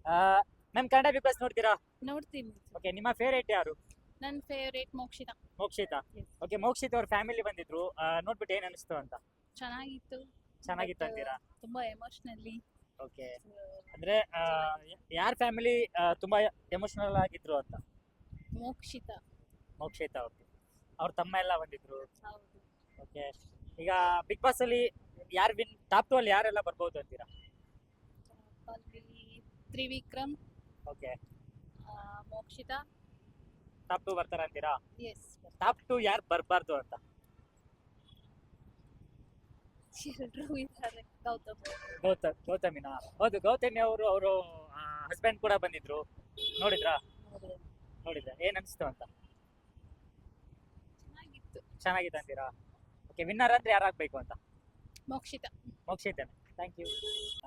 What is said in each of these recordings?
Ma'am Kannada Bigg Boss ನೋಡ್ತೀರಾ? ನೋಡ್ತೀನಿ. Okay, ನಿಮ್ಮ ಫೇವರೇಟ್ ಯಾರು? ನನ್ನ favourite Mokshitha. Mokshitha. Yes. Okay, Mokshith ಅವ್ರ ಫ್ಯಾಮಿಲಿ ಬಂದಿದ್ರು, ನೋಡ್ಬಿಟ್ಟು ಏನ್ ಅನಿಸ್ತು ಅಂತ? ಚೆನ್ನಾಗಿತ್ತು. ಚೆನ್ನಾಗಿತ್ತು But, ಅಂತೀರಾ? ತುಂಬಾ ಎಮೋಷನಲಿ. ಓಕೆ, ಅಂದ್ರೆ ಯಾರ ಫ್ಯಾಮಿಲಿ ತುಂಬಾ ಎಮೋಷನಲ್ ಆಗಿದ್ರು ಅಂತ? ಮೋಕ್ಷಿತಾ. ಮೋಕ್ಷಿತಾ. ಓಕೆ, ಅವ್ರ ತಮ್ಮ ಎಲ್ಲ ಬಂದಿದ್ರು. ಹೌದು. ಓಕೆ, ಈಗ ಬಿಗ್ ಬಾಸ್ ಅಲ್ಲಿ ಯಾರು ಟಾಪ್ 2 ಅಲ್ಲಿ ಯಾರೆಲ್ಲ ಬರ್ಬೋದು ಅಂತೀರಾ? ಅಲ್ಲಿ ತ್ರಿವಿಕ್ರಮ್, ಓಕೆ, ಮೋಕ್ಷಿತಾ. ಟಾಪ್ 2 ಬರ್ತಾರ ಅಂತೀರಾ? ಎಸ್. ಟಾಪ್ 2 ಯಾರು ಬರ್ಬಾರ್ದು ಅಂತ? ಎಲ್ರೂ ಇದ್ದಾರೆ. ಗೌತಮ್. ಗೌತಮಿನಾ? ಹೌದು, ಗೌತಮಿ ಅವರು ಹಸ್ಬೆಂಡ್ ಕೂಡ ಬಂದಿದ್ರು, ನೋಡಿದ್ರಾ? ನೋಡಿದ್ರೆ ಏನ್ ಅನಿಸ್ತು ಅಂತ? ಚೆನ್ನಾಗಿತ್ತು. ಚೆನ್ನಾಗಿದೆ ಅಂತೀರಾ? ಓಕೆ, ವಿನ್ನರ್ ಅಂದ್ರೆ ಯಾರಾಗಬೇಕು ಅಂತ? ಮೋಕ್ಷಿತಾ. ಮೋಕ್ಷಿತನೇ. Thank you.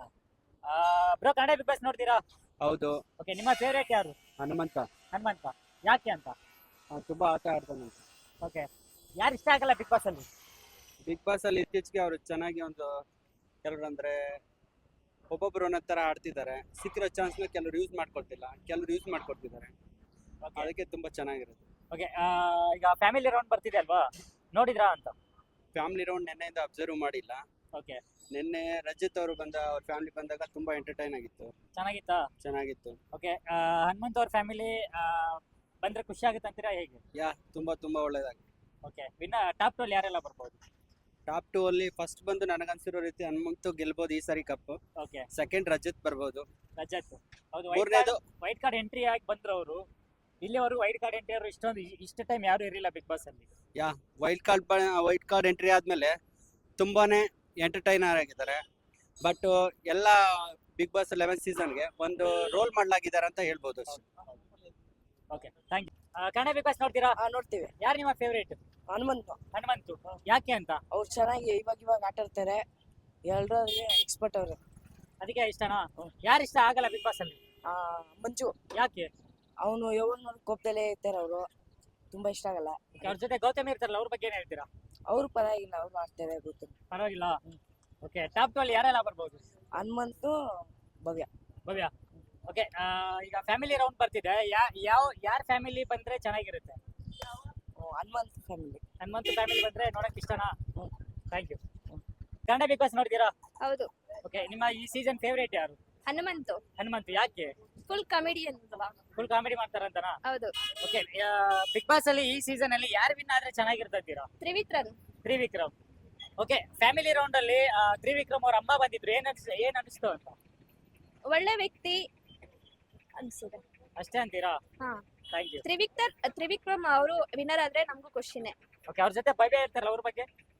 Bro, Kannada Bigg Boss ನೋಡ್ತೀರಾ? ಹೌದು. ಓಕೆ, ನಿಮ್ಮ ಫೇವರೇಟ್ ಯಾರು? ಹನುಮಂತ. ಹನುಮಂತ. ಯಾಕೆ ಅಂತ? ತುಂಬಾ ಆಟ ಆಡ್ತಾನೆ. ಓಕೆ, ಯಾರು ಇಷ್ಟ ಆಗಲ್ಲ ಬಿಗ್ ಬಾಸ್ ಅಲ್ಲಿ? ಬಿಗ್ ಬಾಸ್ ಅಲ್ಲಿ ಇತ್ತೀಚೆಗೆ ಅವರು ಚೆನ್ನಾಗಿ ಒಂದು ಕೆಲವ್ರು ಅಂದ್ರೆ ಒಬ್ಬೊಬ್ರು ಒಂದೊಂದ್ ತರ ಆಡ್ತಿದ್ದಾರೆ. ಸಿಕ್ಕಿರೋ ಚಾನ್ಸ್ ನ ಕೆಲವ್ರು ಯೂಸ್ ಮಾಡ್ಕೊಳ್ತಿಲ್ಲ, ಕೆಲವ್ರು ಯೂಸ್ ಮಾಡ್ಕೊಳ್ತಿದ್ದಾರೆ. ಓಕೆ, ಅದಕ್ಕೆ ತುಂಬಾ ಚೆನ್ನಾಗಿರುತ್ತೆ. ಓಕೆ, ಈಗ ಫ್ಯಾಮಿಲಿ ರೌಂಡ್ ಬರ್ತಿದೆ ಅಲ್ವಾ, ನೋಡಿದ್ರಾ ಅಂತ? ಫ್ಯಾಮಿಲಿ ರೌಂಡ್ ನಿನ್ನೆಯಿಂದ ಅಬ್ಸರ್ವ್ ಮಾಡಿಲ್ಲ. ಓಕೆ, ನಿನ್ನೆ ರಜಿತ್ ಅವರು ಅವ್ರ ಫ್ಯಾಮಿಲಿ ಬಂದಾಗ ತುಂಬಾ ಎಂಟರ್ಟೈನ್ ಆಗಿತ್ತು, ಚೆನ್ನಾಗಿತ್ತಾ? ಚೆನ್ನಾಗಿತ್ತು. ಓಕೆ, ಹನುಮಂತ್ ಅವ್ರ ಫ್ಯಾಮಿಲಿ ಬಂದ್ರೆ ಖುಷಿ ಆಗುತ್ತೆ ಅಂತೀರಾ, ಹೇಗೆ? ತುಂಬಾ ತುಂಬಾ ಒಳ್ಳೇದಾಗಿ. ಓಕೆ, ಟಾಪ್ 2 ಅಲ್ಲಿ ಯಾರೆಲ್ಲ ಬರ್ಬೋದು? ಟಾಪ್ 2 ಅಲ್ಲಿ ಫಸ್ಟ್ ಬಂದು ನನಗನ್ಸಿರೋ ರೀತಿ ಹನುಮಂತು ಗೆಲ್ಬಹುದು ಈ ಸಾರಿ ಕಪ್. ಓಕೆ, ಸೆಕೆಂಡ್ ರಜತ್ ಬರ್ಬೋದು. ರಜತ್. ಹೌದು, ಮೂರನೇದು ವೈಟ್ ಕಾರ್ಡ್ ಎಂಟ್ರಿ ಆಗಿ ಬಂದ್ರು ಅವರು. ಇಲ್ಲಿವರೆಗೂ ವೈಟ್ ಕಾರ್ಡ್ ಎಂಟ್ರಿ ಅವರು ಇಷ್ಟು ಟೈಮ್ ಯಾರು ಇರಲಿಲ್ಲ ಬಿಗ್ ಬಾಸ್ ಅಲ್ಲಿ. ವೈಟ್ ಕಾರ್ಡ್ ಎಂಟ್ರಿ ಆದ್ಮೇಲೆ ತುಂಬಾನೇ ಎಂಟರ್ಟೈನರ್ ಆಗಿದ್ದಾರೆ. ಬಟ್ ಎಲ್ಲ ಬಿಗ್ ಬಾಸ್ 11 ಸೀಸನ್ಗೆ ಒಂದು ರೋಲ್ ಮಾಡಲಾಗಿದ್ದಾರೆ ಅಂತ ಹೇಳ್ಬೋದು ಅಷ್ಟೇ. Okay, thank you. Kannada Bigg Boss ನೋಡ್ತೀರಾ? ನೋಡ್ತೀವಿ. ಯಾರು ನಿಮ್ಮ ಫೇವರೇಟ್? ಹನುಮಂತ. ಹನುಮಂತು. ಯಾಕೆ ಅಂತ? ಅವ್ರು ಚೆನ್ನಾಗಿ ಇವಾಗ ಆಟ ಆಡ್ತಾರೆ. ಎಲ್ಲರಿಗೆ ಎಕ್ಸ್ಪರ್ಟ್ ಅವ್ರೆ. ಅದಕ್ಕೆ ಇಷ್ಟನಾ? ಯಾರು ಇಷ್ಟ ಆಗಲ್ಲ ಬಿಗ್ ಬಾಸ್ ಅಲ್ಲಿ? ಮಂಜು. ಯಾಕೆ? ಅವನು ಯಾವಾಗ ಕೋಪದಲ್ಲೇ ಇರ್ತಾರೆ. ಅವರು ತುಂಬಾ ಇಷ್ಟ ಆಗಲ್ಲ. ಅವ್ರ ಜೊತೆ ಗೌತಮಿ ಇರ್ತಾರಲ್ಲ, ಅವ್ರ ಬಗ್ಗೆ ಏನ್ ಹೇಳ್ತೀರಾ? ಅವ್ರು ಪರವಾಗಿಲ್ಲ, ಅವ್ರು ಮಾಡ್ತಾರೆ. ಗೊತ್ತು. ಪರವಾಗಿಲ್ಲ. ಓಕೆ, ಟಾಪ್ 2 ಅಲ್ಲಿ ಯಾರೆಲ್ಲ ಬರ್ಬೋದು? ಹನುಮಂತು, ಭವ್ಯ. ಭವ್ಯ. ಓಕೆ, ಈಗ ಫ್ಯಾಮಿಲಿ ರೌಂಡ್ ಬರ್ತಿದೆ. ಯಾರ ಫ್ಯಾಮಿಲಿ ಬಂದ್ರೆ ಚೆನ್ನಾಗಿರುತ್ತೆ? ಹನುಮಂತ್ ಫ್ಯಾಮಿಲಿ. ಹನುಮಂತು ಫ್ಯಾಮಿಲಿ ಬಂದ್ರೆ ನೋಡಕ್ ಇಷ್ಟನಾ? Thank you. Kannada Bigg Boss ನೋಡ್ತೀರಾ? ಹೌದು. ಓಕೆ, ನಿಮ್ಮ ಈ ಸೀಸನ್ ಫೇವರೇಟ್ ಯಾರು? ಹನುಮಂತು. ಹನುಮಂತು. ಯಾಕೆ? Full comedian. ಫುಲ್ ಕಾಮಿಡಿ ಮಾಡ್ತಾರಂತನಾ? ಹೌದು. ಓಕೆ, ಬಿಗ್ ಬಾಸ್ ಅಲ್ಲಿ ಈ ಸೀಸನ್ ಅಲ್ಲಿ ಯಾರು ವಿನ್ ಆದ್ರೆ ಚೆನ್ನಾಗಿರ್ತಂತೀರಾ? Trivikram. Trivikram. Okay, family round ಅಲ್ಲಿ ತ್ರಿವಿಕ್ರಮ್ ಅವ್ರ ಅಮ್ಮ ಬಂದಿದ್ರು, ಏನ್ ಅನಿಸ್ತು ಅಂತ? ಒಳ್ಳೆ ವ್ಯಕ್ತಿ ಅನ್ಸುತ್ತೆ ಅಷ್ಟೇ ಅಂತೀರಾ? ಹಾ. Thank you. ತ್ರಿವಿಕ್ರಮ್ ಅವರು ವಿನ್ನರ್ ಆದ್ರೆ ನಮಗೂ ಖುಷಿನೇ. ಓಕೆ, ಅವ್ರ ಜೊತೆ ಭವ್ಯ ಇರ್ತಾರಲ್ಲ, ಅವ್ರ ಬಗ್ಗೆ?